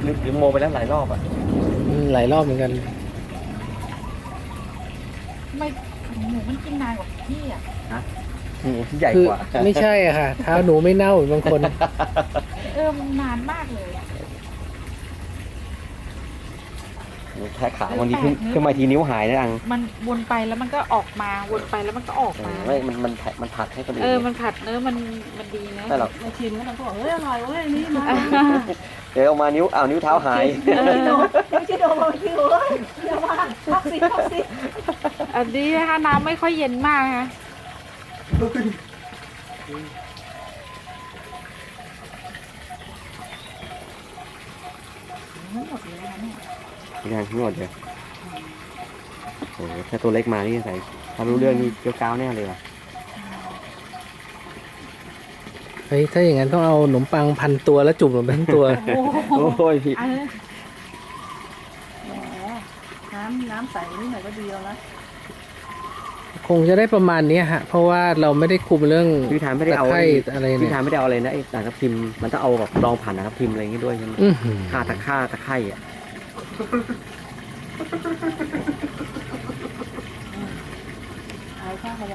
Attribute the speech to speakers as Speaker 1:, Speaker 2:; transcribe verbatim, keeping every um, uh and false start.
Speaker 1: หรือหรือโมไปแล้วหลายรอบอ่ะ
Speaker 2: อืมหลายรอบเหมือนกัน
Speaker 3: ไม่หมูมันกินนานกว่าพี่อ่ะ
Speaker 1: หมูที่ใหญ่
Speaker 2: คือก
Speaker 1: ว่า
Speaker 2: ไม่ใช่อะค่ะเท้าหนูไม่เน่าเหมือนบางคน
Speaker 3: เออมันนานมากเลยอะ
Speaker 1: แค่ขาวันนี้ขึ้นขึ้นมาทีนิ้วหายนะอัง
Speaker 3: มันวนไปแล้วมันก็ออกมาวนไปแล้วมันก็ออกมา
Speaker 1: ไม่มันมันมันผัดให้คนอื่น
Speaker 3: เออมันผัดเนื้อมันมันดีนะ
Speaker 1: แต่เรา
Speaker 4: มาชิมแล้วเราก็บอกเฮ้ยอร่อยเว้ยนี่มา
Speaker 1: เดี๋ยวเอามานิ้วอ้าวนิ้วเท้าหาย
Speaker 4: ไม่โดนไม่ใช่โดนมาคิวเว้ยอย่ามาพักสิพักสิ
Speaker 3: อันนี้นะคะน้ำไม่ค่อยเย็นมากนะคะ
Speaker 4: ไม่หมดเลยนะเนี่ย
Speaker 1: ยังทั้งหมดเลยโอ้โหถ้าตัวเล็กมานี่ใส่ถ้ารู้เรื่องนี่เกี้ยวก้าวแน่เลยว่ะ
Speaker 2: เฮ้ยถ้าอย่างนั้นต้องเอาขนมปังพันตัวแล้วจุ่มลงไปทั้งตัว
Speaker 4: โอ้โห
Speaker 1: โอ้ยพี่
Speaker 3: อันนี้
Speaker 4: แหมน้ำน้ำใสนิดหน่อยก็ดีแล้วนะ
Speaker 2: คงจะได้ประมาณนี้ฮะ เพราะว่าเราไม่ได้คุมเรื่อง
Speaker 1: พี่ทานไม่ได้เอา
Speaker 2: ตะไคร้อะไรเนี่ย
Speaker 1: พี่ทานไม่ได้เอาอะไรนะไอ้ด่างทับทิมมันต้องเอาแบบรองผ่านด่างทับทิมอะไรอย่างงี้ด้วยใช่ไหม
Speaker 2: อื้อหือ
Speaker 1: ค่าตะค่าตะไคร่อ่ะ
Speaker 4: เอาข้าว